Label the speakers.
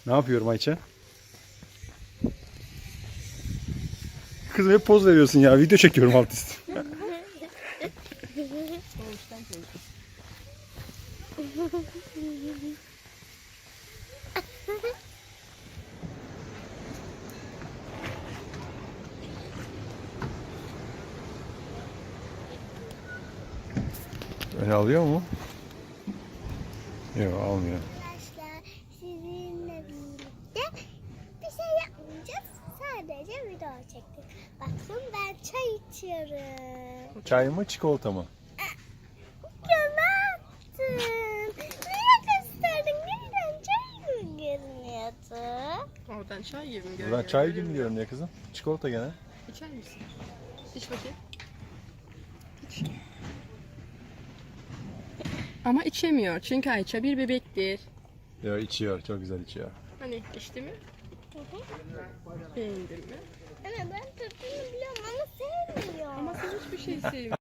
Speaker 1: Ne yapıyorum Ayça? Kızım hep poz veriyorsun ya. Video çekiyorum alt üstü. Öyle alıyor mu? Yok almıyor.
Speaker 2: Arkadaşlar sizinle birlikte bir şey yapmayacağız. Sadece video çektik. Bakın ben çay içiyorum.
Speaker 1: Çay mı çikolata mı?
Speaker 2: Ya ne yaptın? Niye gösterdin? Nereden çay mı görünüyordu?
Speaker 3: Oradan çay gibi mi görünüyor?
Speaker 1: Buradan çay gibi mi görünüyor kızım? Çikolata gene.
Speaker 3: İçer misin? İç bakayım. İç. Ama içemiyor çünkü Ayça bir bebektir.
Speaker 1: Yok içiyor. Çok güzel içiyor.
Speaker 3: Hani içti mi? Beğendin mi?
Speaker 2: Ana ben tadını biliyorum ama sevmiyorum.
Speaker 3: Ama sen hiçbir şey sevmiyorsun.